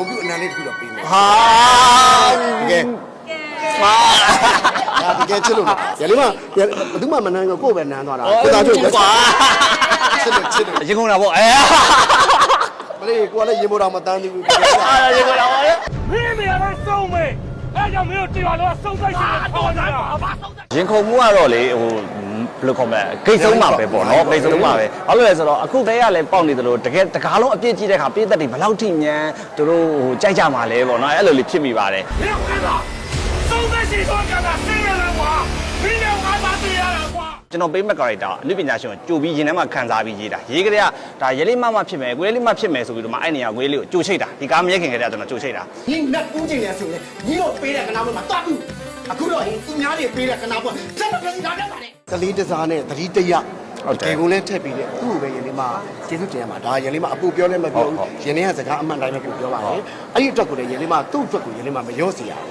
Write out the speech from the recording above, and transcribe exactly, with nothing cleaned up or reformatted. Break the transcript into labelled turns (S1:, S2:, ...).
S1: ုံပြုအနံလေးတစ်ခုတော့ပေးမယ်
S2: ဟာ
S1: တကယ်
S2: ဟာ
S1: ဒါတကယ်ချစ်လို့ရလေးမဘယ်သူမှမနမ်းကိုကိုယ်ပဲနမ်းသွားတာကိုသားတို့ကွာချစ်လို့ချစ်လို့
S2: ရင်ကုန်တာပေါ့အဲ
S1: မလေးကိုကလည်းရေမိုးတော်မတန်းသေးဘူး
S2: အာရင်ကုန်တာပေါ့
S3: မင်းမေကစုံမေအဲကြောင့်မင်းတို့တရားလို့စုံဆိုင်ရှင်ထောင်းကြတာဘာစုံဆိုင်
S2: ရင်ခုန်မှုကတော့လေဟိုဘယ်လိုခေါ်မလဲဂိတ်ဆုံးမှာပဲပေါ့နော်ဂိတ်ဆုံးမှာပဲဘာလို့လဲဆိုတော့အခုတည်းကလည်းပေါက်နေတယ်လို့တကယ်တကားလုံးအပြည့်ကြီးတဲ့ခါပြည့်သက်တွေဘယ်လောက်ထိညံသူတို့ဟိုကြိုက်ကြမှာလဲပေါ့နော်အဲ့လိုလေးဖြစ်မိပါတယ်
S3: မင်းကလားစုံဆိုင်ရှင်တော့ကတာဆင်းရဲလားကွာမင်းလည်းငါသားတရားလားကွာ
S2: ကျွန်တော်ပေးမဲ့ character အနုပညာရှင်ကိုကြိုပြီးရင်ထဲမှာခံစားပြီးရေးတာရေးကြတဲ့ကဒါရဲလေးမမဖြစ်မယ်ကိုရဲလေးမဖြစ်မယ်ဆိုပြီးတော့မှအဲ့နေရာကိုရဲလေးကိုကြိုချိတ်တာဒီကားမရက်ခင်ကတည်းကကျွန်တော်ကြိုချိတ်တာ
S1: ညီနတ်ဦးကျင်လဲဆိုရင်ညီတို့ပေးတဲ့ကနာမမှာတွားဘူးအခုတော့သူများတွေပေးတဲ့ကနာပေါ်စက်မပြစီလာတတ်ပါနဲ့ကလေးတစားနဲ့သတိတရဒီကုန်းလဲထက်ပြီးတဲ့သူ့ကိုပဲရင်လေးမှာကျေးဇူးတင်ရမှာဒါရင်လေးမှာအပူပြောလဲမပြောဘူးရင်လေးကစကားအမှန်တိုင်းပဲပြောပါတယ်အဲ့ဒီအတွက်ကိုလည်းရင်လေးမှာသူ့အတွက်ကိုရင်လေးမှာမရောစီရ